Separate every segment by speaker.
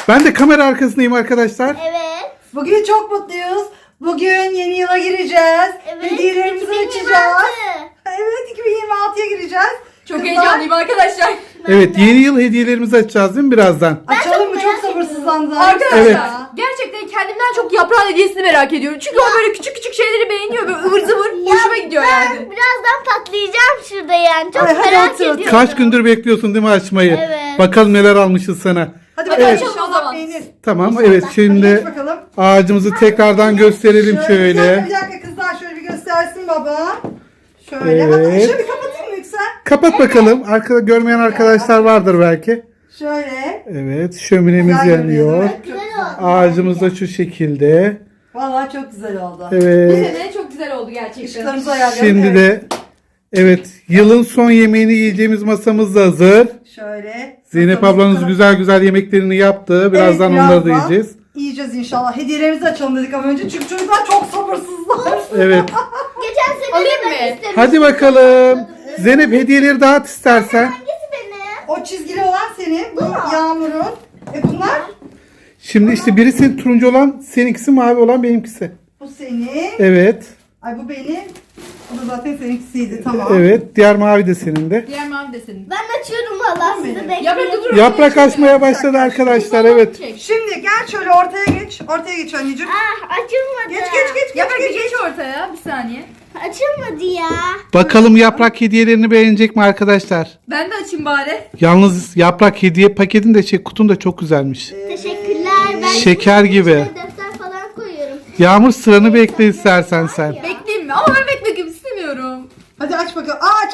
Speaker 1: Ben de kamera arkasındayım arkadaşlar.
Speaker 2: Evet.
Speaker 3: Bugün çok mutluyuz. Bugün yeni yıla gireceğiz.
Speaker 2: Evet.
Speaker 3: Hediyelerimizi
Speaker 2: 2026.
Speaker 3: açacağız. Evet, 2026'ya gireceğiz.
Speaker 4: Çok
Speaker 3: Kızlar,
Speaker 4: heyecanlıyım arkadaşlar.
Speaker 1: Evet, yeni yıl hediyelerimizi açacağız değil mi birazdan?
Speaker 3: Açalım mı? Çok
Speaker 2: merak
Speaker 3: sabırsızlandım.
Speaker 4: Arkadaşlar
Speaker 1: Evet.
Speaker 4: gerçekten kendimden çok yaprağın hediyesini merak ediyorum. Çünkü o böyle küçük küçük şeyleri beğeniyor. Böyle ıvır zıvır hoşuma gidiyor
Speaker 2: Ben
Speaker 4: yani.
Speaker 2: birazdan patlayacağım şurada yani. Çok
Speaker 3: Hadi
Speaker 2: merak
Speaker 3: otur, otur.
Speaker 2: ediyorum.
Speaker 1: Kaç gündür bekliyorsun değil mi açmayı?
Speaker 2: Evet.
Speaker 1: Bakalım neler almışız sana.
Speaker 3: Hadi
Speaker 4: Hadi
Speaker 3: bakalım.
Speaker 4: açalım o zaman.
Speaker 3: Peynir.
Speaker 1: Tamam, evet
Speaker 3: Hadi
Speaker 1: şimdi
Speaker 3: geç bakalım.
Speaker 1: ağacımızı tekrardan gösterelim
Speaker 3: Bir
Speaker 1: şöyle.
Speaker 3: dakika kızlar, şöyle bir göstersin baba. Şöyle.
Speaker 1: Evet.
Speaker 3: Hatta şöyle bir kapatayım mı Yüksel?
Speaker 1: Kapat bakalım. Arkada görmeyen arkadaşlar vardır belki.
Speaker 3: Şöyle.
Speaker 1: Evet, şöminemiz
Speaker 3: Güzel görünüyor,
Speaker 1: yanıyor.
Speaker 3: değil mi?
Speaker 2: Güzel oldu.
Speaker 1: Ağacımız da şu şekilde.
Speaker 3: Vallahi çok güzel oldu.
Speaker 4: Bu
Speaker 1: Evet.
Speaker 4: sene çok güzel oldu gerçekten.
Speaker 3: Işıklarımızı ayarlayalım.
Speaker 1: Şimdi de evet, yılın son yemeğini yiyeceğimiz masamız da hazır.
Speaker 3: Şöyle.
Speaker 1: Zeynep
Speaker 3: Masamızı
Speaker 1: ablanız
Speaker 3: koyalım.
Speaker 1: güzel güzel yemeklerini yaptı. Birazdan
Speaker 3: Evet,
Speaker 1: onları da
Speaker 3: birazdan
Speaker 1: yiyeceğiz.
Speaker 3: Yiyeceğiz inşallah. Hediyelerimizi açalım dedik ama önce çünkü çocuklar çok sabırsızlar.
Speaker 1: Evet.
Speaker 2: Geçen sene
Speaker 4: Alayım
Speaker 2: de ben
Speaker 4: mı?
Speaker 2: istemiştim.
Speaker 1: Hadi bakalım. Zeynep hediyeleri dağıt istersen.
Speaker 2: Hangisi benim?
Speaker 3: O çizgili olan senin, bu Yağmur'un. Bunlar
Speaker 1: Şimdi işte birisi turuncu olan, seninkisi mavi olan benimkisi.
Speaker 3: bu senin.
Speaker 1: Evet.
Speaker 3: Ay bu benim. Bu da zaten seninkisiydi, tamam.
Speaker 1: Evet. Diğer mavi de senin de.
Speaker 4: Diğer mavi de senin.
Speaker 2: Ben açıyorum valla sizi
Speaker 4: Yaprak
Speaker 2: bekliyorum.
Speaker 4: dur.
Speaker 1: Yaprak açmaya başladı arkadaşlar. Evet.
Speaker 4: Çek.
Speaker 3: Şimdi gel şöyle ortaya geç. Ortaya geç anneciğim.
Speaker 2: Ah açılmadı.
Speaker 3: Geç.
Speaker 4: Yaprak bir geç ortaya bir saniye.
Speaker 2: Açılmadı ya.
Speaker 1: Bakalım yaprak hediyelerini beğenecek mi arkadaşlar?
Speaker 4: Ben de açayım bari.
Speaker 1: Yalnız yaprak hediye paketin de kutun da çok güzelmiş.
Speaker 2: Teşekkürler. Ben
Speaker 1: Şeker
Speaker 2: bunun
Speaker 1: gibi.
Speaker 2: içine defter falan koyuyorum.
Speaker 1: Yağmur, sıranı bekle istersen sen.
Speaker 4: Bekleyeyim mi? Ama ben beklemek istemiyorum.
Speaker 3: Hadi aç bakalım. Aç.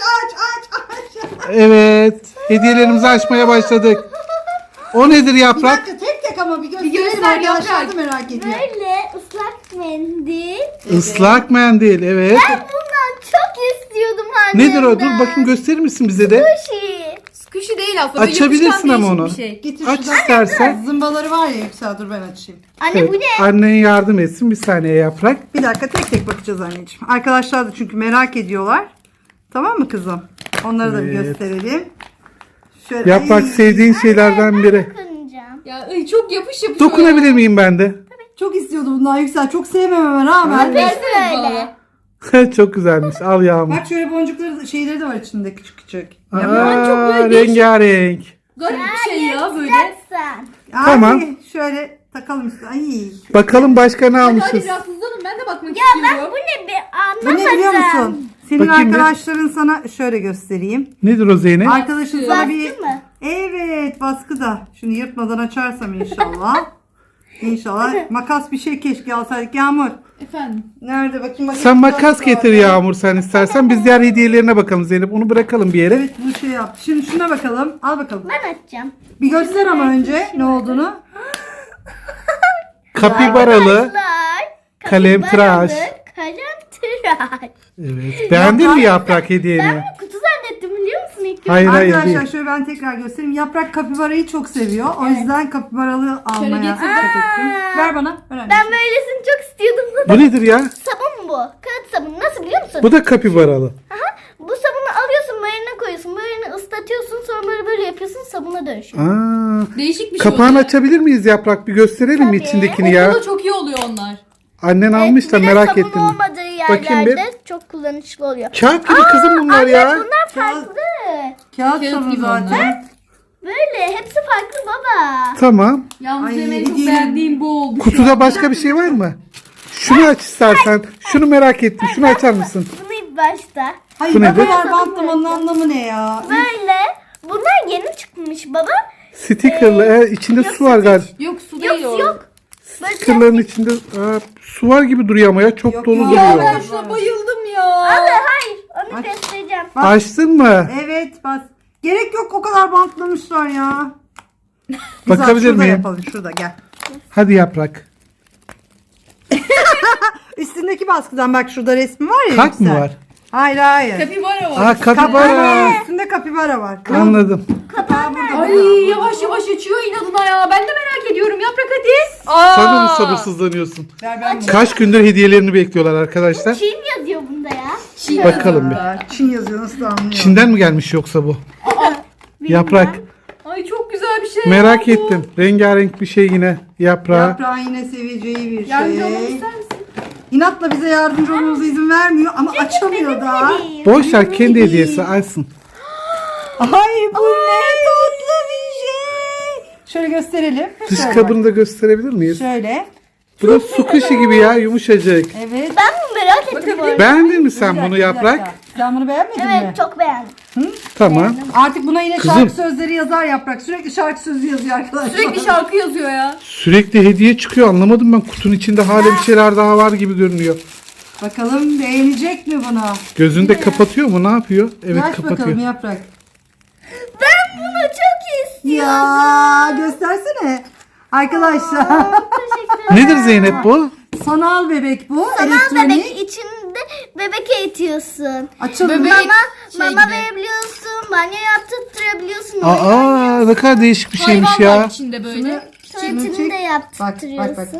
Speaker 1: Evet. Hediyelerimizi açmaya başladık. O nedir
Speaker 3: Bir
Speaker 1: yaprak?
Speaker 3: dakika tek ama bir gösterelim.
Speaker 4: göster
Speaker 3: Arkadaşlar
Speaker 4: Yaprak.
Speaker 3: da merak ediyor.
Speaker 2: Böyle ıslak mendil.
Speaker 1: Islak mendil. Evet.
Speaker 2: Ben bundan çok istiyordum annemden.
Speaker 1: Nedir o? Dur bakayım, gösterir misin bize de?
Speaker 2: Sushi.
Speaker 4: Squishy değil aslında. Böyle
Speaker 1: Açabilirsin
Speaker 4: yapışkan
Speaker 1: ama
Speaker 4: değişik
Speaker 1: onu.
Speaker 4: Bir şey.
Speaker 3: Getir
Speaker 1: Aç
Speaker 3: şuradan.
Speaker 1: istersen.
Speaker 3: Zımbaları var ya Yüksel, dur ben açayım.
Speaker 2: Anne
Speaker 1: Evet,
Speaker 2: bu ne?
Speaker 1: annen yardım etsin. Bir saniye yaprak.
Speaker 3: Bir dakika tek tek bakacağız anneciğim. Arkadaşlar da çünkü merak ediyorlar. Tamam mı kızım? Onları da bir
Speaker 1: Evet.
Speaker 3: gösterelim. Şöyle,
Speaker 1: Yaprak
Speaker 3: ay,
Speaker 1: sevdiğin şeylerden biri.
Speaker 2: Dokunacağım.
Speaker 4: Ya ay, çok yapış yapış.
Speaker 1: Dokunabilir miyim ben de?
Speaker 3: çok istiyordum bundan Yüksel. Çok sevmememe rağmen.
Speaker 4: Versene
Speaker 2: Böyle.
Speaker 4: bana.
Speaker 1: Çok güzelmiş. Al Yağmur.
Speaker 3: Bak şöyle boncukları şeyleri de var içinde küçük küçük.
Speaker 1: Aa,
Speaker 4: çok böyle değişik.
Speaker 1: rengarenk.
Speaker 4: Garip bir şey ya böyle.
Speaker 2: Yapsan.
Speaker 3: Ay,
Speaker 1: Tamam.
Speaker 3: şöyle takalım üstüne. Ay.
Speaker 1: Bakalım başka ne
Speaker 4: Hadi
Speaker 1: almışız?
Speaker 4: biraz hızlanın ben de bakmak
Speaker 2: Ya ben
Speaker 4: istiyorum.
Speaker 2: bu ne bir
Speaker 3: Bu
Speaker 2: anlamadım.
Speaker 3: ne biliyor musun? Senin
Speaker 1: Bakayım bir.
Speaker 3: arkadaşların sana şöyle göstereyim.
Speaker 1: Nedir o Zeynep?
Speaker 3: Arkadaşın sana bir...
Speaker 2: Baskı mı?
Speaker 3: Evet, baskı da. Şunu yırtmadan açarsam inşallah. İnşallah. Makas bir şey keşke alsaydık. Yağmur.
Speaker 4: Efendim.
Speaker 3: Nerede bakayım?
Speaker 1: Sen makas getir Yağmur sen istersen. Biz diğer hediyelerine bakalım Zeynep. Onu bırakalım bir yere.
Speaker 3: Evet, bu şey yap. Şimdi şuna bakalım. Al bakalım.
Speaker 2: Ben açacağım.
Speaker 3: Bir göster ama önce ne olduğunu.
Speaker 1: Kapibaralı.
Speaker 2: Arkadaşlar,
Speaker 1: Kalem
Speaker 2: kapibaralı
Speaker 1: tıraş.
Speaker 2: Kalem tıraş.
Speaker 1: Evet. Beğendin mi yaprak hediyeni?
Speaker 2: Ben bunu kutu zannettim biliyor musun ilk
Speaker 1: Hayır hayır
Speaker 3: Arkadaşlar
Speaker 1: değil.
Speaker 3: şöyle ben tekrar göstereyim. Yaprak kapibarayı çok seviyor. O yüzden kapibaralı almaya
Speaker 4: getir.
Speaker 3: dikkat ettim. Ver bana. Ver anne.
Speaker 2: Ben böylesini çok istiyordum.
Speaker 1: Bu nedir ya?
Speaker 2: Sabun bu. Kağıt sabunu. Nasıl biliyor musun?
Speaker 1: Bu da kapibaralı.
Speaker 2: Aha, bu sabunu alıyorsun, marine koyuyorsun. Marine ıslatıyorsun, sonra böyle yapıyorsun, sabuna dönüşüyor.
Speaker 1: Aa,
Speaker 4: Değişik bir şey
Speaker 1: kapağını
Speaker 4: oluyor.
Speaker 1: açabilir miyiz yaprak? Bir gösterelim mi
Speaker 2: Tabii.
Speaker 1: içindekini ya?
Speaker 4: Okulda çok iyi oluyor onlar.
Speaker 1: Annen almış da
Speaker 2: Bir de
Speaker 1: merak
Speaker 2: sabun
Speaker 1: ettim.
Speaker 2: olmadığı
Speaker 1: Bakayım
Speaker 2: yerlerde çok kullanışlı oluyor.
Speaker 1: Kağıt gibi kızım bunlar
Speaker 2: Anne
Speaker 1: ya.
Speaker 2: bunlar farklı.
Speaker 3: Kağıt
Speaker 4: Kağıt
Speaker 3: sabunu
Speaker 4: gibi
Speaker 3: zaten.
Speaker 4: onlar.
Speaker 2: Böyle hepsi farklı baba.
Speaker 1: Tamam.
Speaker 4: Yalnız
Speaker 3: Ay,
Speaker 4: benim en çok
Speaker 3: hediye-
Speaker 4: beğendiğim bu oldu.
Speaker 1: Kutuda başka bir şey var mı? Şunu aç istersen. Şunu merak ettim. Şunu açar mısın?
Speaker 2: Bunu ilk başta.
Speaker 3: Hayır
Speaker 1: Bu
Speaker 3: bu
Speaker 1: nedir?
Speaker 3: kadar bantlamanın anlamı ne ya?
Speaker 2: Böyle. Bunlar yeni çıkmış baba.
Speaker 1: Stickerlı. içinde su var galiba.
Speaker 4: Yok su değil
Speaker 2: Yok
Speaker 4: o.
Speaker 2: yok.
Speaker 1: Stickerların içinde su var gibi duruyor ama ya çok
Speaker 3: Yok
Speaker 1: dolu
Speaker 3: ya.
Speaker 4: Ya
Speaker 1: duruyor.
Speaker 4: ben şuna bayıldım ya.
Speaker 2: Abi hayır. Onu
Speaker 3: Aç.
Speaker 2: göstereceğim.
Speaker 1: Açtın mı?
Speaker 3: Evet bas. Gerek yok o kadar bantlamışlar ya.
Speaker 1: Bakabilir
Speaker 3: şurada
Speaker 1: miyim?
Speaker 3: yapalım şurada gel.
Speaker 1: Hadi yaprak.
Speaker 3: Üstündeki baskıdan bak şurada resmi var ya.
Speaker 1: Kalp mı
Speaker 3: Yüksel.
Speaker 1: var?
Speaker 3: Hayır hayır.
Speaker 4: Kapibara var.
Speaker 1: Aa kapibara.
Speaker 3: Üstünde kapibara var.
Speaker 1: Anladım.
Speaker 3: Kapağı burada.
Speaker 4: Ay yavaş yavaş açıyor inadına ya. Ben de merak ediyorum. Yaprak hadi. Aa.
Speaker 1: Sen de mi sabırsızlanıyorsun?
Speaker 3: Ver ben bunu.
Speaker 1: Kaç gündür hediyelerini bekliyorlar arkadaşlar.
Speaker 2: Çin yazıyor bunda ya.
Speaker 4: Çiğ
Speaker 1: Bakalım bir.
Speaker 3: Çin yazıyor nasıl da anlıyor.
Speaker 1: Çin'den mi gelmiş yoksa bu? Yaprak.
Speaker 4: Ay çok güzel bir bir şey.
Speaker 1: Merak
Speaker 4: oldu.
Speaker 1: ettim. Rengarenk bir şey yine yaprağı.
Speaker 3: Yaprağın yine seveceği bir
Speaker 4: Yardımcı olmamı
Speaker 3: şey.
Speaker 4: ister misin?
Speaker 3: İnatla bize yardımcı olmamıza izin vermiyor ama açamıyor da.
Speaker 1: Boş ver, kendi hediyesi alsın.
Speaker 3: Ay bu ne tatlı bir şey. Şöyle gösterelim.
Speaker 1: Dış
Speaker 3: Şöyle
Speaker 1: kabını da gösterebilir miyiz?
Speaker 3: bak. Şöyle.
Speaker 1: Bu da su kuşu gibi ya, yumuşacık.
Speaker 3: Evet.
Speaker 2: Ben bunu merak ettim bu arada.
Speaker 1: Beğendin mi
Speaker 3: Bir
Speaker 1: sen
Speaker 3: dakika,
Speaker 1: bunu
Speaker 3: bir
Speaker 1: yaprak?
Speaker 3: dakika. Sen bunu beğenmedin mi?
Speaker 2: Evet çok beğendim.
Speaker 1: Tamam.
Speaker 3: Artık buna yine
Speaker 1: Kızım.
Speaker 3: şarkı sözleri yazar yaprak. Sürekli şarkı sözü yazıyor arkadaşlar.
Speaker 4: Sürekli şarkı yazıyor ya.
Speaker 1: Sürekli hediye çıkıyor, anlamadım ben. Kutunun içinde hala bir şeyler daha var gibi görünüyor.
Speaker 3: Bakalım beğenecek mi bunu?
Speaker 1: Gözünü de kapatıyor mu, ne yapıyor? Evet,
Speaker 3: Aç
Speaker 1: kapatıyor.
Speaker 3: bakalım yaprak.
Speaker 2: Ben bunu çok istiyorum.
Speaker 3: Ya göstersene. Arkadaşlar.
Speaker 2: Teşekkür ederim.
Speaker 1: Nedir Zeynep bu?
Speaker 3: Sanal bebek bu.
Speaker 2: Sanal
Speaker 3: elektronik.
Speaker 2: bebek içinde bebek eğitiyorsun.
Speaker 3: Açalım.
Speaker 4: Bebek-
Speaker 3: Mama.
Speaker 2: Mama
Speaker 4: gibi.
Speaker 2: verebiliyorsun, banyo yaptırtırabiliyorsun.
Speaker 1: Aa, ne kadar değişik bir şeymiş
Speaker 4: Hayvan var
Speaker 1: ya.
Speaker 4: içinde böyle.
Speaker 2: Tuvaletini
Speaker 3: çek.
Speaker 2: de yaptırıyorsun.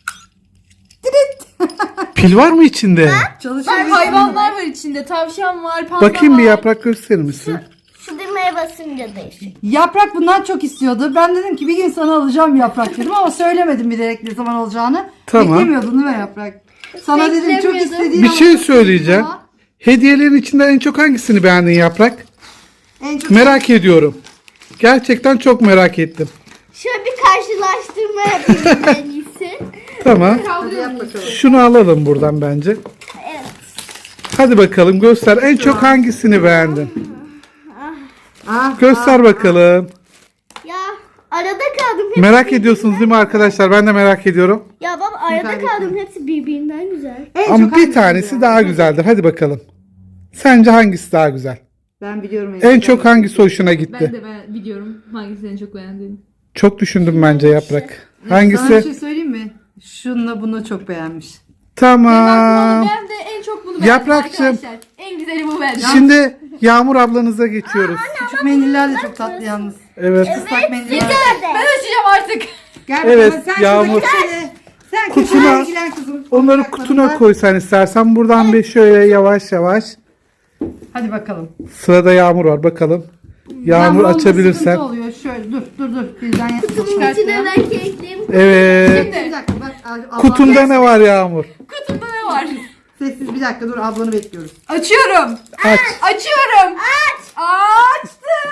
Speaker 1: Pil var mı içinde?
Speaker 3: Çalışıyor.
Speaker 4: Hayvanlar var içinde. Tavşan var, panda
Speaker 1: Bakayım bir
Speaker 4: var.
Speaker 1: yaprak, gösterir misin?
Speaker 2: Şu düğmeye basınca değişiyor.
Speaker 3: Yaprak bundan çok istiyordu. Ben dedim ki bir gün sana alacağım yaprak dedim ama söylemedim bilerek ne zaman olacağını.
Speaker 1: Tamam.
Speaker 3: Beklemiyordun değil mi yaprak? Sana dedim çok
Speaker 2: Beklemiyordum.
Speaker 3: istediğin
Speaker 1: Bir
Speaker 3: ama
Speaker 1: şey
Speaker 3: çok
Speaker 1: söyleyeceğim.
Speaker 3: ama
Speaker 1: Hediyelerin içinde en çok hangisini beğendin yaprak?
Speaker 3: En çok
Speaker 1: Merak ediyorum. Gerçekten çok merak ettim.
Speaker 2: Şöyle bir karşılaştırma yapayım en iyisi.
Speaker 1: Tamam.
Speaker 3: Hadi yap bakalım.
Speaker 1: Şunu alalım buradan bence.
Speaker 2: Evet.
Speaker 1: Hadi bakalım göster. En çok hangisini beğendin?
Speaker 3: Ah,
Speaker 1: Göster bakalım.
Speaker 2: Ya arada kaldım.
Speaker 1: Merak ediyorsunuz değil mi arkadaşlar? Ben de merak ediyorum.
Speaker 2: Ya baba arada
Speaker 3: Süper
Speaker 2: kaldım. Hepsi birbirinden güzel.
Speaker 3: en
Speaker 1: Ama
Speaker 3: çok
Speaker 1: bir
Speaker 3: hangisi
Speaker 1: tanesi
Speaker 3: beğendin?
Speaker 1: daha güzeldir. Hadi bakalım. Sence hangisi daha güzel?
Speaker 3: Ben biliyorum.
Speaker 1: En çok hangisi hoşuna
Speaker 4: Ben
Speaker 1: gitti?
Speaker 4: de biliyorum hangisini en çok beğendiğini.
Speaker 1: Çok düşündüm bence yaprak.
Speaker 3: Sana bir
Speaker 1: Hangisi?
Speaker 3: şey söyleyeyim mi? Şununla bunu çok beğenmiş.
Speaker 1: Tamam.
Speaker 4: Ben de en çok bunu beğendim
Speaker 1: Yaprakçığım.
Speaker 4: arkadaşlar. En güzeli bu bence.
Speaker 1: Şimdi Yağmur ablanıza geçiyoruz.
Speaker 3: Küçük mendiller de çok tatlı yalnız.
Speaker 1: Evet.
Speaker 3: Islak mendiller.
Speaker 4: Ben açacağım artık.
Speaker 3: Gel
Speaker 1: Evet,
Speaker 3: bakalım, sen
Speaker 1: Yağmur.
Speaker 3: şuradaki şeyle- Sen
Speaker 1: Kutuna-
Speaker 3: kutuna ilgilen kızım.
Speaker 1: Onları
Speaker 3: Toprak
Speaker 1: kutuna
Speaker 3: bakımda.
Speaker 1: koysan istersen. Buradan bir şöyle yavaş yavaş.
Speaker 3: Hadi bakalım.
Speaker 1: Sırada Yağmur var, bakalım. Yağmur
Speaker 3: onda
Speaker 1: açabilirsen.
Speaker 3: sıkıntı oluyor. Şöyle dur. Birden
Speaker 2: Bunun içine ben kekleyeyim.
Speaker 1: Evet.
Speaker 3: Bir dakika bak. abla-
Speaker 1: Kutunda ne var Yağmur?
Speaker 4: Kutumda ne var?
Speaker 3: Sessiz bir dakika dur ablanı bekliyoruz.
Speaker 4: Açıyorum.
Speaker 1: Aç.
Speaker 4: Açıyorum. Açtı.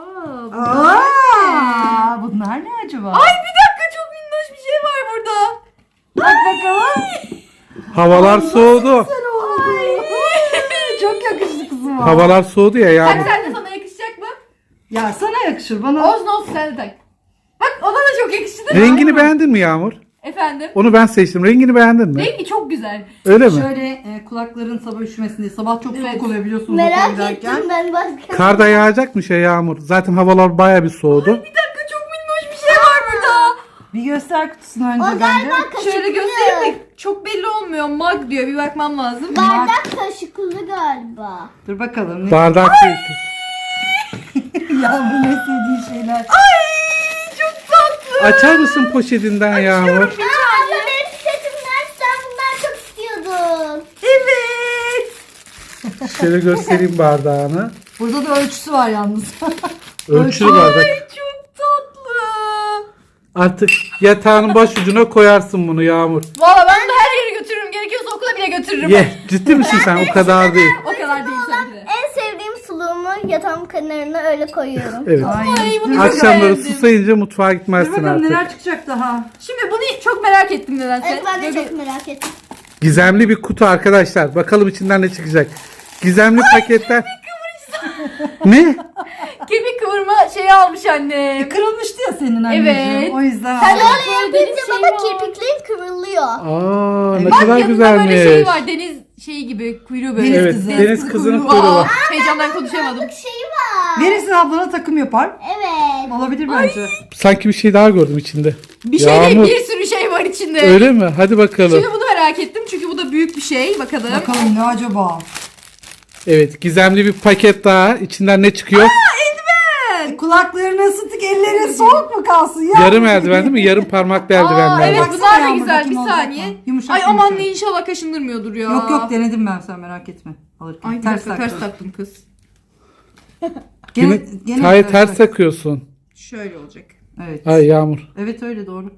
Speaker 3: Aa, bunlar ne acaba?
Speaker 4: Ay bir dakika, çok minnoş bir şey var burada.
Speaker 3: Bak bakalım.
Speaker 1: Havalar soğudu.
Speaker 3: Çok yakıştı kızım.
Speaker 1: Havalar soğudu ya
Speaker 4: Bak
Speaker 1: Yağmur.
Speaker 4: sen de, sana yakışacak mı?
Speaker 3: Ya sana yakışır bana.
Speaker 4: Olsun olsun, sen de tak. Bak ona da çok yakıştı değil mi?
Speaker 1: Rengini beğendin mi Yağmur?
Speaker 4: Efendim?
Speaker 1: Onu ben seçtim. Rengini beğendin mi?
Speaker 4: Rengi çok güzel.
Speaker 1: Öyle mi?
Speaker 3: Şöyle kulakların sabah üşümesin diye. Sabah çok
Speaker 4: Evet.
Speaker 3: soğuk oluyor biliyorsunuz. okula
Speaker 2: Merak
Speaker 3: giderken.
Speaker 2: ettim ben başka.
Speaker 1: Kar da yağacakmış ya Yağmur. Zaten havalar baya bir soğudu.
Speaker 4: Bir dakika, çok minnoş bir şey var burada.
Speaker 3: Bir göster kutusunu önce
Speaker 2: O
Speaker 3: bence.
Speaker 2: galiba kaşıklı.
Speaker 4: Şöyle göstereyim de çok belli olmuyor. Mag diyor, bir bakmam lazım.
Speaker 2: Bardak kaşıklı galiba.
Speaker 3: Dur bakalım.
Speaker 1: Bardak değil.
Speaker 3: Ya bu ne sevdiği şeyler.
Speaker 4: Çok tatlı.
Speaker 1: Açar mısın poşetinden Yağmur?
Speaker 2: Aa, abla benim setimden sen bundan çok istiyordun.
Speaker 4: Evet.
Speaker 1: Şöyle göstereyim bardağını.
Speaker 3: Burada da ölçüsü var yalnız.
Speaker 1: Ölçülü bardak.
Speaker 4: Çok tatlı.
Speaker 1: Artık yatağının başucuna koyarsın bunu Yağmur.
Speaker 4: Valla ben bunu her yere götürürüm. Gerekiyorsa okula bile götürürüm.
Speaker 1: Ye. Ciddi misin sen? O kadar değil.
Speaker 4: O kadar değil tabii de.
Speaker 2: En sevdiğim suluğumu yatağımın kenarına öyle koyuyorum.
Speaker 1: Evet.
Speaker 4: Ay bunu çok
Speaker 1: Akşamları
Speaker 4: beğendim.
Speaker 1: susayınca mutfağa
Speaker 3: Dur
Speaker 1: gitmezsin
Speaker 3: bakalım
Speaker 1: artık.
Speaker 3: neler çıkacak daha.
Speaker 4: Şimdi bunu çok merak ettim nedense.
Speaker 2: Evet ben de
Speaker 4: Böyle-
Speaker 2: çok merak ettim.
Speaker 1: Gizemli bir kutu arkadaşlar. Bakalım içinden ne çıkacak. Gizemli paketler. Ne?
Speaker 4: Kemik kıvırma şeyi almış annem.
Speaker 3: Kırılmıştı ya senin anneciğim.
Speaker 4: Evet.
Speaker 3: O yüzden
Speaker 4: Sen
Speaker 3: aldım.
Speaker 4: böyle deniz
Speaker 2: Yapınca
Speaker 4: şeyi
Speaker 2: baba
Speaker 4: var.
Speaker 2: kirpiklerin kıvrılıyor.
Speaker 1: Aa, ne
Speaker 4: Bak
Speaker 1: kadar
Speaker 4: yanında
Speaker 1: güzelmiş.
Speaker 4: böyle şey var. Deniz şeyi gibi, kuyruğu böyle.
Speaker 3: Deniz
Speaker 1: Evet,
Speaker 3: kızı.
Speaker 1: deniz kızının
Speaker 4: Aa,
Speaker 1: kuyruğu var.
Speaker 4: heyecandan konuşamadım.
Speaker 2: Şeyi var.
Speaker 3: Verirsin ablana takım yapar.
Speaker 2: Evet.
Speaker 3: Olabilir bence.
Speaker 1: Sanki bir şey daha gördüm içinde.
Speaker 4: Bir şey değil,
Speaker 1: Yağmur.
Speaker 4: bir sürü şey var içinde.
Speaker 1: Öyle mi? Hadi bakalım.
Speaker 4: Şimdi bunu merak ettim çünkü bu da büyük bir şey. Bakalım.
Speaker 3: Bakalım ne acaba?
Speaker 1: Evet, gizemli bir paket daha. İçinden ne çıkıyor?
Speaker 3: Kulaklarını ısıttık, ellerin soğuk mu kalsın ya?
Speaker 1: Yarım eldiven değil mi? Yarım parmaklı
Speaker 4: Aa,
Speaker 1: eldivenler
Speaker 4: evet
Speaker 1: var.
Speaker 3: Baksana
Speaker 4: bunlar da
Speaker 3: Yağmur,
Speaker 4: güzel. Bir
Speaker 3: bakayım olacak
Speaker 4: saniye.
Speaker 3: mı? Yumuşak,
Speaker 4: Ay aman
Speaker 3: yumuşak.
Speaker 4: ne, inşallah kaşındırmıyordur ya.
Speaker 3: Yok yok denedim ben, sen merak etme. Alırken.
Speaker 4: Ay bir dakika, ters taktım kız.
Speaker 1: Yine ters takıyorsun.
Speaker 4: Şöyle olacak.
Speaker 3: Evet.
Speaker 1: Ay Yağmur.
Speaker 3: Evet öyle doğru.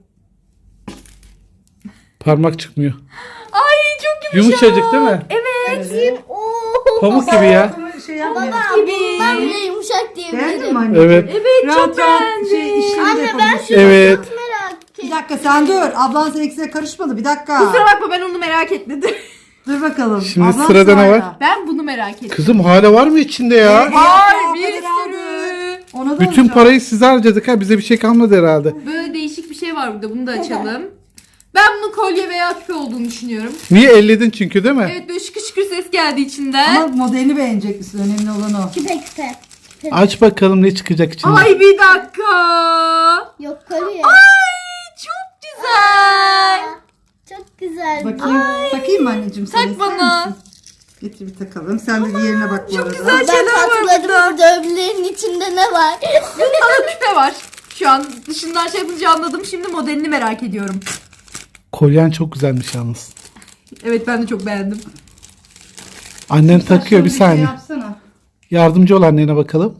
Speaker 1: Parmak çıkmıyor.
Speaker 4: Ay çok yumuşak.
Speaker 1: Yumuşacık değil mi?
Speaker 3: Evet.
Speaker 2: Oo.
Speaker 1: Pamuk gibi ya.
Speaker 3: Şey yapmıyor.
Speaker 2: Ben bile yumuşak
Speaker 3: Beğendin mi
Speaker 2: diyebilirim.
Speaker 3: anne?
Speaker 1: Evet.
Speaker 4: Evet çok
Speaker 3: Rahat rahat
Speaker 4: beğendim.
Speaker 3: işini de
Speaker 2: Anne ben
Speaker 3: yapabilirsin.
Speaker 2: şunu
Speaker 1: Evet.
Speaker 2: çok merak
Speaker 3: Bir
Speaker 2: ettim.
Speaker 3: dakika sen dur. Ablan seninkisine karışmadı. Bir dakika.
Speaker 4: Kusura bakma ben onu merak etmedim.
Speaker 3: Dur bakalım.
Speaker 1: Şimdi
Speaker 3: Ablan
Speaker 1: sırada ne
Speaker 3: sırayla.
Speaker 1: var?
Speaker 4: Ben bunu merak ettim.
Speaker 1: Kızım hala var mı içinde ya?
Speaker 3: Evet.
Speaker 4: Var
Speaker 3: Ya,
Speaker 4: bir
Speaker 3: o kadar
Speaker 4: sürü.
Speaker 3: Ona da
Speaker 1: Bütün
Speaker 3: olacak.
Speaker 1: parayı size harcadık ha. Bize bir şey kalmadı herhalde.
Speaker 4: Böyle değişik bir şey var burada. Bunu da açalım. Ben bunun kolye veya küpe olduğunu düşünüyorum.
Speaker 1: Niye elledin çünkü değil mi?
Speaker 4: Evet böyle şıkır şıkır ses geldi içinden.
Speaker 3: Ama modelini beğenecek misin? Önemli olan o.
Speaker 2: Küpe küpe.
Speaker 1: Aç bakalım ne çıkacak içinden.
Speaker 4: Ay bir dakika.
Speaker 2: Yok kolye.
Speaker 4: Ay çok güzel.
Speaker 2: Çok güzel.
Speaker 3: Bakayım. Takayım mı anneciğim?
Speaker 4: Tak
Speaker 3: Sen ister
Speaker 4: bana.
Speaker 3: misin? Getir bir takalım. Sen de diğerine bak bu arada.
Speaker 4: güzel.
Speaker 2: Ben
Speaker 4: şeyler var
Speaker 2: patladım
Speaker 4: burada.
Speaker 2: burada öbürlerinin içinde ne var?
Speaker 4: Bunda da küpe var. Şu an dışından şey yapınca anladım. Şimdi modelini merak ediyorum.
Speaker 1: Kolyen çok güzelmiş yalnız.
Speaker 4: Evet ben de çok beğendim.
Speaker 1: Annen takıyor bir
Speaker 3: Saçlarını
Speaker 1: saniye.
Speaker 3: Yapsana.
Speaker 1: Yardımcı ol annene bakalım.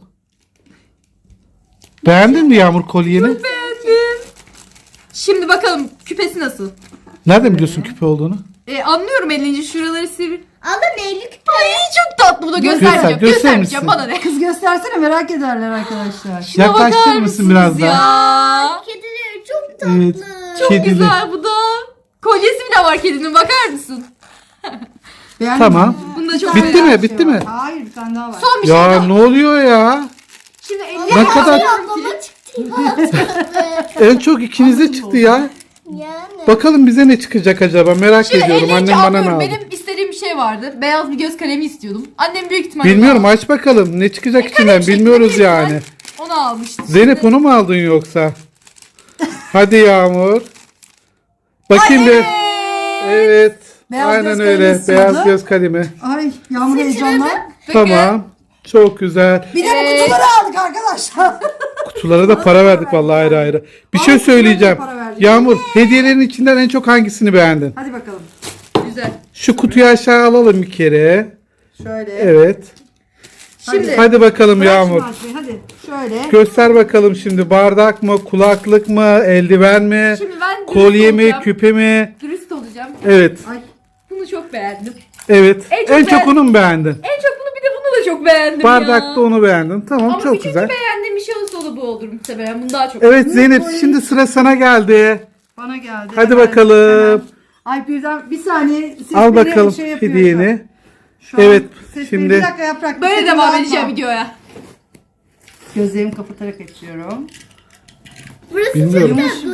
Speaker 1: Beğendin mi Yağmur kolyeni?
Speaker 4: Beğendim. Şimdi bakalım küpesi nasıl?
Speaker 1: Nereden biliyorsun küpe olduğunu?
Speaker 4: Anlıyorum elince şuraları sivri.
Speaker 2: Alın elli küpe.
Speaker 4: Ay çok tatlı bu da
Speaker 1: Göster,
Speaker 4: göstermeyeceğim.
Speaker 1: göster
Speaker 4: Göstermeyeceğim
Speaker 1: misin?
Speaker 4: bana ne?
Speaker 3: Kız göstersene merak ederler arkadaşlar.
Speaker 4: Şuna
Speaker 1: Yaklaştırır
Speaker 4: bakar
Speaker 1: mısın
Speaker 4: mısınız
Speaker 1: biraz
Speaker 4: ya?
Speaker 1: daha?
Speaker 2: Kedileri çok tatlı.
Speaker 1: Evet.
Speaker 4: Çok
Speaker 1: Kedili.
Speaker 4: güzel bu da. Kolyesi bile var kedinin bakar mısın?
Speaker 3: Beğendin
Speaker 1: Tamam.
Speaker 3: mi?
Speaker 4: Bunda çok
Speaker 1: Bitti
Speaker 4: güzel.
Speaker 1: mi? Bitti mi?
Speaker 3: Hayır bir tane daha var.
Speaker 4: Son bir şey
Speaker 1: Ya
Speaker 4: daha.
Speaker 1: ne oluyor ya?
Speaker 4: Şimdi
Speaker 1: Ne kadar
Speaker 2: Ablama çıktı ya.
Speaker 1: en çok ikinize çıktı ya.
Speaker 2: Yani.
Speaker 1: Bakalım bize ne çıkacak acaba merak
Speaker 4: Şimdi
Speaker 1: ediyorum.
Speaker 4: elince
Speaker 1: Annem bana ne
Speaker 4: anlıyorum.
Speaker 1: aldı?
Speaker 4: Benim istediğim bir şey vardı. Beyaz bir göz kalemi istiyordum. Annem büyük ihtimalle
Speaker 1: Bilmiyorum
Speaker 4: onu,
Speaker 1: aç bakalım ne çıkacak içinden
Speaker 4: kalem şeklinde
Speaker 1: bilmiyoruz
Speaker 4: büyük ihtimal
Speaker 1: yani.
Speaker 4: onu almıştı.
Speaker 1: Zeynep onu mu aldın yoksa? Hadi Yağmur. Bakayım bir. Evet.
Speaker 3: Beyaz
Speaker 1: Aynen
Speaker 3: göz
Speaker 1: öyle.
Speaker 3: kalemi
Speaker 1: Beyaz
Speaker 3: istiyordu.
Speaker 1: göz kalemi.
Speaker 3: Ay yağmur heyecanla.
Speaker 1: Tamam. Çok güzel.
Speaker 3: Bir de bu kutuları aldık arkadaşlar.
Speaker 1: Kutulara da para verdik vallahi ayrı ayrı. Bir şey
Speaker 3: Vallahi
Speaker 1: söyleyeceğim.
Speaker 3: para verdik.
Speaker 1: Yağmur hediyelerin içinden en çok hangisini beğendin?
Speaker 3: Hadi bakalım.
Speaker 4: Güzel.
Speaker 1: Şu kutuyu aşağı alalım bir kere.
Speaker 3: Şöyle.
Speaker 1: Evet.
Speaker 4: Şimdi
Speaker 1: Hadi bakalım
Speaker 3: Bırak
Speaker 1: Yağmur.
Speaker 3: şimdi açmayı, hadi. Şöyle.
Speaker 1: Göster bakalım şimdi bardak mı, kulaklık mı, eldiven mi,
Speaker 4: Şimdi ben dürüst
Speaker 1: kolye mi,
Speaker 4: olacağım.
Speaker 1: küpe mi?
Speaker 4: Dürüst olacağım.
Speaker 1: Evet.
Speaker 3: Ay.
Speaker 4: Bunu çok beğendim.
Speaker 1: Evet.
Speaker 4: En çok
Speaker 1: En çok
Speaker 4: beğen-
Speaker 1: onu mu beğendin?
Speaker 4: En çok bunu bir de bunu da çok beğendim
Speaker 1: Bardakta
Speaker 4: ya.
Speaker 1: onu beğendin. Tamam
Speaker 4: Ama
Speaker 1: çok
Speaker 4: üçüncü
Speaker 1: güzel.
Speaker 4: beğendiğim bir şey olsa o da bu olur muhtemelen. Bunu daha çok
Speaker 1: Evet Zeynep şimdi sıra sana geldi.
Speaker 3: Bana geldi.
Speaker 1: Hadi
Speaker 3: Hemen,
Speaker 1: bakalım.
Speaker 3: hemen. Ay birden bir saniye. Ses
Speaker 1: Al
Speaker 3: beni
Speaker 1: bakalım
Speaker 3: şey yapıyor
Speaker 1: hediyeni.
Speaker 3: şu an.
Speaker 1: Evet,
Speaker 3: Ses
Speaker 1: şimdi-
Speaker 3: beni- Bir dakika yaprak.
Speaker 4: Böyle
Speaker 3: dikkatimi
Speaker 4: devam
Speaker 3: dağıtma.
Speaker 4: edeceğim videoya.
Speaker 3: Gözlerimi kapatarak açıyorum.
Speaker 2: Burası
Speaker 1: Bilmiyorum.
Speaker 2: çok tatlı.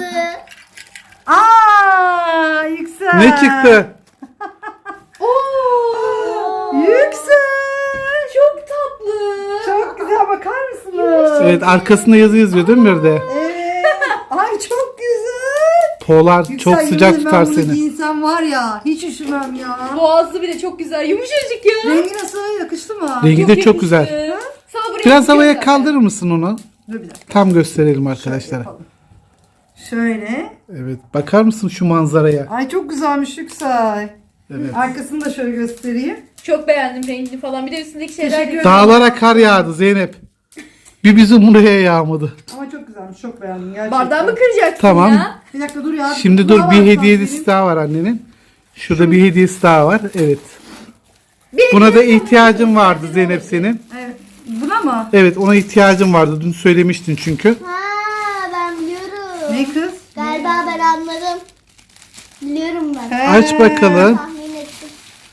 Speaker 3: Aa Yüksel.
Speaker 1: Ne çıktı?
Speaker 4: Oo!
Speaker 3: Yüksel.
Speaker 4: Çok tatlı.
Speaker 3: Çok güzel bakar mısınız?
Speaker 1: Evet arkasında yazı yazıyor değil mi bir de?
Speaker 3: Evet. Ay çok güzel.
Speaker 1: Polar
Speaker 3: Yüksel,
Speaker 1: çok
Speaker 3: yemin
Speaker 1: sıcak
Speaker 3: ederim
Speaker 1: tutar
Speaker 3: ben bunu
Speaker 1: seni.
Speaker 3: giyinsem var ya hiç üşümem ya.
Speaker 4: Boğazı bile çok güzel. Yumuşacık ya.
Speaker 3: Rengi nasıl? Yakıştı mı?
Speaker 1: Rengi de çok
Speaker 4: yakıştı.
Speaker 1: güzel.
Speaker 4: Sana buraya
Speaker 1: Biraz
Speaker 4: yakışıyor
Speaker 1: havaya
Speaker 4: zaten.
Speaker 1: kaldırır mısın onu?
Speaker 3: Dur bir dakika.
Speaker 1: Tam gösterelim arkadaşlara.
Speaker 3: Yapalım. Şöyle.
Speaker 1: Evet bakar mısın şu manzaraya?
Speaker 3: Ay çok güzelmiş Yüksel.
Speaker 1: Evet.
Speaker 3: Arkasını da şöyle göstereyim.
Speaker 4: Çok beğendim rengini falan. Bir de üstündeki şeyler
Speaker 3: Teşekkür
Speaker 4: gördüm.
Speaker 1: Dağlara kar yağdı Zeynep. Bir bizim buraya yağmadı.
Speaker 3: Ama çok güzelmiş. Çok beğendim gerçekten.
Speaker 4: Bardağımı kıracaksın
Speaker 1: Tamam.
Speaker 4: ya.
Speaker 3: Bir dakika dur ya.
Speaker 1: Şimdi dur bir hediyesi daha var annenin. Şurada bir hediyesi daha var. Evet. Buna da ihtiyacın vardı Zeynep senin.
Speaker 3: Evet. Buna mı?
Speaker 1: Evet ona ihtiyacın vardı. Dün söylemiştin çünkü.
Speaker 2: Ha ben biliyorum.
Speaker 3: Ne kız?
Speaker 2: Galiba ben anladım. Biliyorum ben.
Speaker 3: He.
Speaker 1: Aç bakalım.
Speaker 2: Tahmin ettim.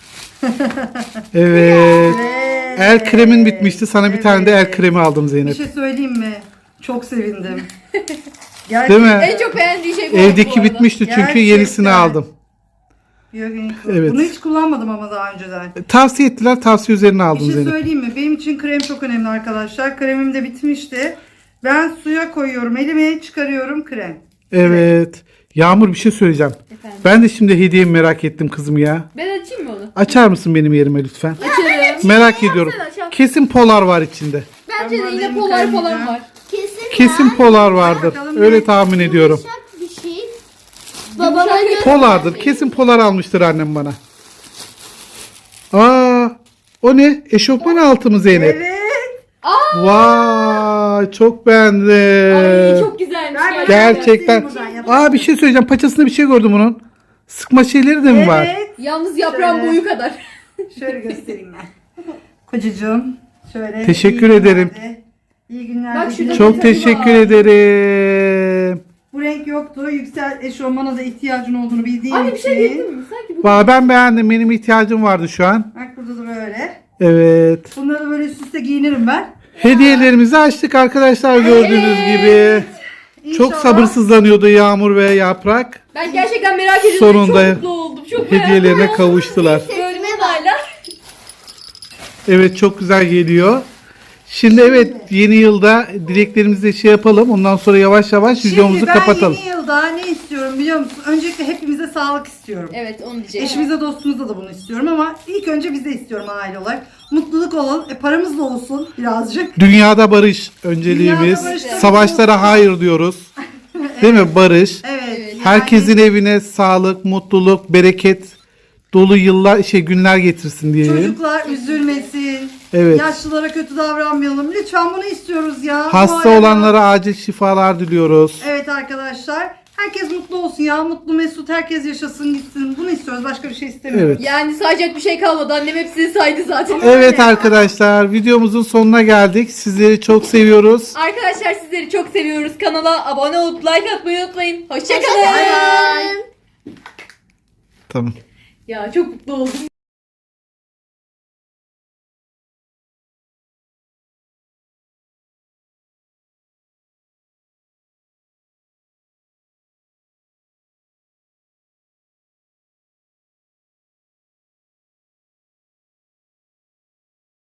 Speaker 1: Evet.
Speaker 3: Evet.
Speaker 1: El kremin bitmişti. Sana bir tane de el
Speaker 3: Evet.
Speaker 1: kremi aldım
Speaker 3: Bir
Speaker 1: Zeynep.
Speaker 3: şey söyleyeyim mi? Çok sevindim.
Speaker 1: Değil
Speaker 3: Gerçekten.
Speaker 1: mi?
Speaker 4: En çok beğendiği şey bu. bu
Speaker 1: Evdeki
Speaker 4: arada.
Speaker 1: bitmişti çünkü
Speaker 3: Gerçekten.
Speaker 1: yenisini aldım. Evet.
Speaker 3: Bunu hiç kullanmadım ama daha önceden.
Speaker 1: Tavsiye ettiler. Tavsiye üzerine
Speaker 3: Bir
Speaker 1: aldım
Speaker 3: şey
Speaker 1: Zeynep.
Speaker 3: söyleyeyim mi? Benim için krem çok önemli arkadaşlar. Kremim de bitmişti. Ben suya koyuyorum, elime çıkarıyorum krem.
Speaker 1: Evet. Yağmur bir şey söyleyeceğim.
Speaker 4: Efendim.
Speaker 1: Ben de şimdi hediyemi merak ettim kızım ya.
Speaker 4: Ben açayım mı onu?
Speaker 1: Açar mısın benim yerime lütfen?
Speaker 4: Açarım.
Speaker 1: Merak ediyorum.
Speaker 4: Sen aç, al.
Speaker 1: Kesin polar var içinde.
Speaker 4: Bence de
Speaker 3: Ben
Speaker 4: yine
Speaker 3: elimi
Speaker 4: polar falan
Speaker 3: kaymayacağım.
Speaker 4: var.
Speaker 2: Kesin,
Speaker 1: Kesin
Speaker 2: ya.
Speaker 1: polar vardır.
Speaker 3: Bakalım
Speaker 1: Öyle
Speaker 3: ne?
Speaker 1: tahmin ediyorum.
Speaker 2: Yumuşak bir şey. Babama göre.
Speaker 1: Polardır. Kesin polar almıştır annem bana. Aa, o ne? Eşofman altı mı Zeynep?
Speaker 3: Evet.
Speaker 1: Vay. Aa, çok beğendim.
Speaker 4: Ay çok güzelmiş
Speaker 3: Ver
Speaker 1: Gerçekten.
Speaker 3: Buradan
Speaker 1: Aa, bir şey söyleyeceğim. Paçasında bir şey gördüm bunun. Sıkma şeyleri de mi var?
Speaker 3: Evet.
Speaker 4: Yalnız yaprağın
Speaker 3: Şöyle.
Speaker 4: boyu kadar.
Speaker 3: Şöyle göstereyim ben. Kocacığım. Şöyle.
Speaker 1: Teşekkür
Speaker 3: iyi
Speaker 1: ederim.
Speaker 3: günlerde, İyi günler.
Speaker 4: Bak şurada
Speaker 1: Çok
Speaker 4: detayı
Speaker 1: teşekkür
Speaker 4: var.
Speaker 1: ederim.
Speaker 3: Bu renk yoktu. Yüksel eşofmana da ihtiyacın olduğunu bildiğim
Speaker 4: Anne bir şey
Speaker 3: için.
Speaker 4: diyecektim mi? Sanki bu
Speaker 1: Valla ben beğendim. Benim ihtiyacım vardı şu an.
Speaker 3: Bak burada da böyle.
Speaker 1: Evet.
Speaker 3: Bunları böyle üst üste giyinirim ben.
Speaker 1: Hediyelerimizi açtık arkadaşlar gördüğünüz gibi. Çok
Speaker 3: İnşallah.
Speaker 1: sabırsızlanıyordu Yağmur ve Yaprak.
Speaker 4: Ben gerçekten merak ediyordum.
Speaker 1: Sonunda
Speaker 4: Çok mutlu oldum. Çok merak
Speaker 1: Hediyelerine
Speaker 4: ettim.
Speaker 1: kavuştular.
Speaker 4: Görme hala.
Speaker 1: Evet, çok güzel geliyor. Şimdi evet, yeni yılda dileklerimizi de şey yapalım. Ondan sonra yavaş yavaş videomuzu
Speaker 3: Şimdi ben
Speaker 1: kapatalım.
Speaker 3: yeni yılda ne istiyorum biliyor musun? Öncelikle hepimize sağlık istiyorum.
Speaker 4: Evet onu diyecektim.
Speaker 3: Eşimize dostumuza da bunu istiyorum ama ilk önce bize istiyorum aile olarak. Mutluluk olun. Paramız da olsun birazcık.
Speaker 1: Dünyada barış önceliğimiz.
Speaker 3: Dünyada barış tabii
Speaker 1: Savaşlara hayır diyoruz. Değil mi? Barış.
Speaker 3: Evet.
Speaker 1: Herkesin evine sağlık, mutluluk, bereket dolu yıllar, günler getirsin diyelim.
Speaker 3: Çocuklar üzülmesin.
Speaker 1: Evet.
Speaker 3: Yaşlılara kötü davranmayalım. Lütfen bunu istiyoruz ya. Bu
Speaker 1: Hasta
Speaker 3: arada-
Speaker 1: olanlara acil şifalar diliyoruz.
Speaker 3: Evet arkadaşlar. Herkes mutlu olsun ya. Mutlu mesut herkes yaşasın gitsin. Bunu istiyoruz. Başka bir şey istemiyoruz.
Speaker 1: Evet.
Speaker 4: Yani sayacak bir şey kalmadı. Annem hepsini saydı zaten.
Speaker 1: Evet arkadaşlar, videomuzun sonuna geldik. Sizleri çok seviyoruz.
Speaker 4: Arkadaşlar sizleri çok seviyoruz. Kanala abone olup like atmayı unutmayın. Hoşçakalın.
Speaker 2: Hoşçakalın.
Speaker 1: Tamam.
Speaker 4: Ya çok mutlu oldum.